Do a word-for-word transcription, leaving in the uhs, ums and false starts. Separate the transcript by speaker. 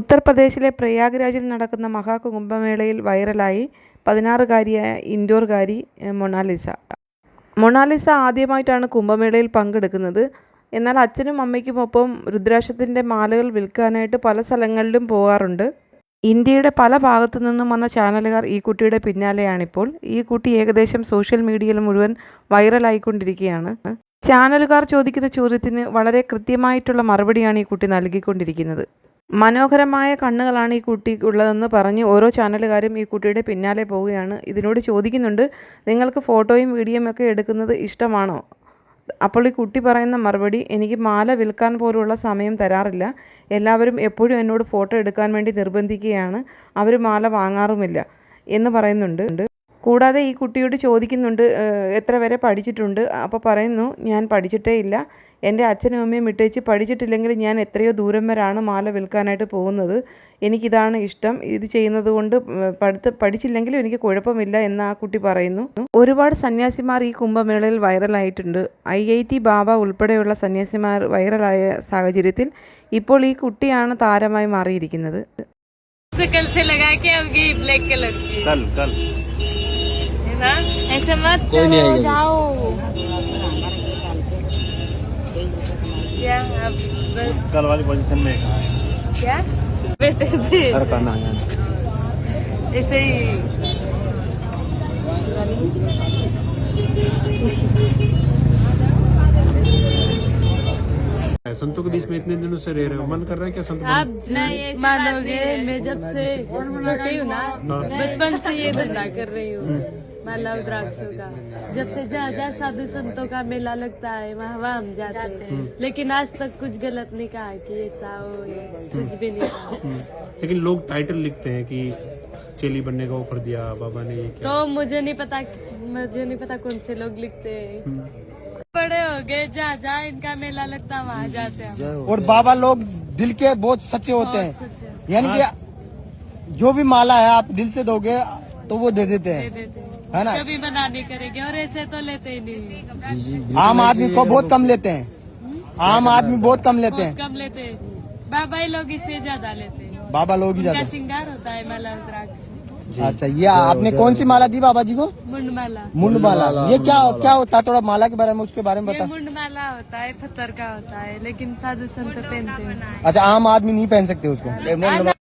Speaker 1: ഉത്തർപ്രദേശിലെ പ്രയാഗ്രാജിൽ നടക്കുന്ന മഹാകുംഭമേളയിൽ വൈറലായി പതിനാറുകാരിയായ ഇൻഡോർകാരി മൊണാലിസ. മൊണാലിസ ആദ്യമായിട്ടാണ് കുംഭമേളയിൽ പങ്കെടുക്കുന്നത്. എന്നാൽ അച്ഛനും അമ്മയ്ക്കുമൊപ്പം രുദ്രാക്ഷത്തിൻ്റെ മാലകൾ വിൽക്കാനായിട്ട് പല സ്ഥലങ്ങളിലും പോകാറുണ്ട്. ഇന്ത്യയുടെ പല ഭാഗത്തു നിന്നും വന്ന ചാനലുകാർ ഈ കുട്ടിയുടെ പിന്നാലെയാണിപ്പോൾ. ഈ കുട്ടി ഏകദേശം സോഷ്യൽ മീഡിയയിൽ മുഴുവൻ വൈറലായിക്കൊണ്ടിരിക്കുകയാണ്. ചാനലുകാർ ചോദിക്കുന്ന ചോദ്യത്തിന് വളരെ കൃത്യമായിട്ടുള്ള മറുപടിയാണ് ഈ കുട്ടി നൽകിക്കൊണ്ടിരിക്കുന്നത്. മനോഹരമായ കണ്ണുകളാണ് ഈ കുട്ടിക്കുള്ളതെന്ന് പറഞ്ഞ് ഓരോ ചാനലുകാരും ഈ കുട്ടിയുടെ പിന്നാലെ പോവുകയാണ്. ഇതിനോട് ചോദിക്കുന്നുണ്ട്, നിങ്ങൾക്ക് ഫോട്ടോയും വീഡിയോയും ഒക്കെ എടുക്കുന്നത് ഇഷ്ടമാണോ? അപ്പോൾ ഈ കുട്ടി പറയുന്ന മറുപടി, എനിക്ക് മാല വിൽക്കാൻ പോലുള്ള സമയം തരാറില്ല. എല്ലാവരും എപ്പോഴും എന്നോട് ഫോട്ടോ എടുക്കാൻ വേണ്ടി നിർബന്ധിക്കുകയാണ്. അവർ മാല വാങ്ങാറുമില്ല എന്ന് പറയുന്നുണ്ട്. കൂടാതെ ഈ കുട്ടിയോട് ചോദിക്കുന്നുണ്ട്, എത്ര വരെ പഠിച്ചിട്ടുണ്ട്? അപ്പോൾ പറയുന്നു, ഞാൻ പഠിച്ചിട്ടേ ഇല്ല. എൻ്റെ അച്ഛനും അമ്മയും ഇട്ടേച്ച് പഠിച്ചിട്ടില്ലെങ്കിൽ ഞാൻ എത്രയോ ദൂരം വരെയാണ് മാല വിൽക്കാനായിട്ട് പോകുന്നത്. എനിക്കിതാണ് ഇഷ്ടം. ഇത് ചെയ്യുന്നത് കൊണ്ട് പഠിത്ത പഠിച്ചില്ലെങ്കിലും എനിക്ക് കുഴപ്പമില്ല എന്ന് ആ കുട്ടി പറയുന്നു. ഒരുപാട് സന്യാസിമാർ ഈ കുംഭമേളയിൽ വൈറലായിട്ടുണ്ട്. ഐ ഐ ടി ബാബ ഉൾപ്പെടെയുള്ള സന്യാസിമാർ വൈറലായ സാഹചര്യത്തിൽ ഇപ്പോൾ ഈ കുട്ടിയാണ് താരമായി മാറിയിരിക്കുന്നത്.
Speaker 2: ऐसे मत करो, जाओ। क्या अब बस
Speaker 3: कल वाली पोजीशन में
Speaker 2: क्या वैसे भी
Speaker 3: हर करना है
Speaker 2: ऐसे ही
Speaker 3: संतों के बीच में इतने दिनों से रह रहे हो, मन कर रहा है क्या संत बन-
Speaker 2: आप नहीं मानोगे, मैं जब से छोटी हूँ ना, बचपन से ये धंधा कर रही हूँ माला रुद्राक्षों का। जब से जहाँ जहाँ साधु संतों का मेला लगता है वहाँ वहाँ हम जाते हैं, लेकिन आज तक कुछ गलत नहीं कहा कि ऐसा हो, ये कुछ भी नहीं कहा।
Speaker 3: लेकिन लोग टाइटल लिखते हैं कि चेली बनने का ऑफर दिया बाबा ने, ये क्या?
Speaker 2: तो मुझे नहीं पता, मुझे नहीं पता कौन से लोग लिखते हैं। बड़े हो गए, जहाँ जहाँ इनका मेला लगता है वहाँ जाते हैं।
Speaker 4: और बाबा लोग दिल के बहुत सच्चे होते हैं, यानी कि जो भी माला है आप दिल से दोगे तो वो दे देते हैं, है ना?
Speaker 2: कभी मना नहीं करेंगे और ऐसे तो लेते ही नहीं।
Speaker 4: आम आदमी को बहुत कम लेते हैं, आम आदमी बहुत कम लेते हैं,
Speaker 2: कम लेते हैं। बाबा ही लोग इससे ज्यादा लेते हैं।
Speaker 4: बाबा लोग ही
Speaker 2: उनका
Speaker 4: ज्यादा।
Speaker 2: श्रृंगार होता है माला रुद्राक्ष।
Speaker 4: अच्छा, ये आपने कौन सी माला दी बाबा जी को?
Speaker 2: मुंड माला।
Speaker 4: मुंड माला। ये क्या क्या होता है? थोड़ा माला के बारे में, उसके बारे में
Speaker 2: ये
Speaker 4: बता।
Speaker 2: मुंड माला होता है, पत्थर का होता है, लेकिन साधु संत पहनते हैं।
Speaker 4: अच्छा, आम आदमी नहीं पहन सकते उसको?